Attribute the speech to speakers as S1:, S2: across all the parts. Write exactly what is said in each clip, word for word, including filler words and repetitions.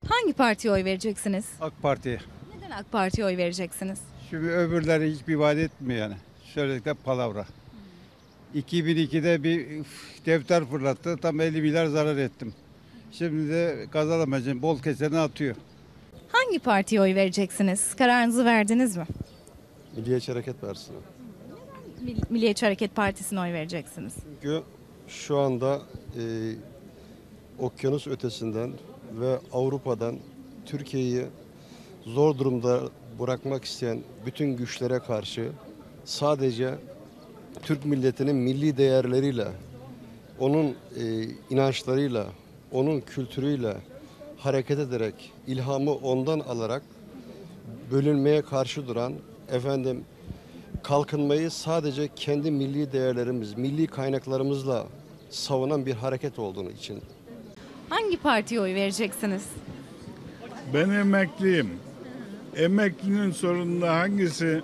S1: Hangi partiye oy vereceksiniz?
S2: AK Parti'ye.
S1: Neden AK Parti'ye oy vereceksiniz?
S2: Şimdi öbürleri hiçbir vaat etmiyor yani. Söyledikleri palavra. iki bin ikide bir üf, defter fırlattı. Tam elli milyar zarar ettim. Şimdi de kazanamayacağım. Bol keseni atıyor.
S1: Hangi partiye oy vereceksiniz? Kararınızı verdiniz mi?
S3: Milliyetçi Hareket Partisi'ne.
S1: Mil- Milliyetçi Hareket Partisi'ne oy vereceksiniz.
S3: Çünkü şu anda e, okyanus ötesinden ve Avrupa'dan Türkiye'yi zor durumda bırakmak isteyen bütün güçlere karşı sadece Türk milletinin milli değerleriyle, onun e, inançlarıyla, onun kültürüyle hareket ederek, ilhamı ondan alarak bölünmeye karşı duran, efendim kalkınmayı sadece kendi milli değerlerimiz, milli kaynaklarımızla savunan bir hareket olduğunu için.
S1: Hangi partiye oy vereceksiniz?
S4: Ben emekliyim. Emeklinin sorununda hangisi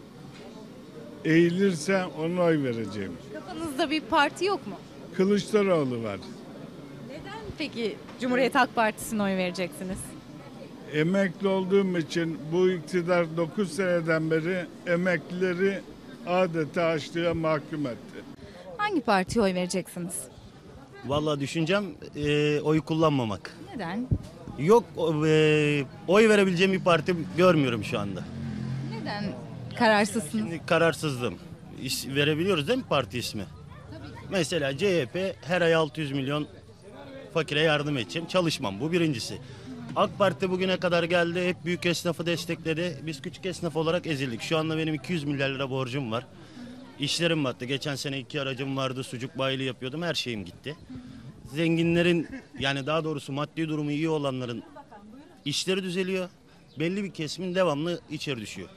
S4: eğilirse ona oy vereceğim.
S1: Kafanızda bir parti yok mu?
S4: Kılıçdaroğlu var.
S1: Neden peki Cumhuriyet Halk Partisi'ne oy vereceksiniz?
S4: Emekli olduğum için bu iktidar dokuz seneden beri emeklileri adeta açlığa mahkum etti.
S1: Hangi partiye oy vereceksiniz?
S5: Vallahi düşüncem e, oy kullanmamak.
S1: Neden?
S5: Yok e, oy verebileceğim bir parti görmüyorum şu anda.
S1: Neden kararsızsınız?
S5: Şimdi kararsızlığım. İş, verebiliyoruz değil mi parti ismi? Mesela C H P her ay altı yüz milyon fakire yardım edeceğim. Çalışmam, bu birincisi. AK Parti bugüne kadar geldi, hep büyük esnafı destekledi. Biz küçük esnaf olarak ezildik. Şu anda benim iki yüz milyar lira borcum var. İşlerim battı. Geçen sene iki aracım vardı, sucuk bayiliği yapıyordum. Her şeyim gitti. Zenginlerin, yani daha doğrusu maddi durumu iyi olanların işleri düzeliyor. Belli bir kesimin devamlı içeri düşüyor.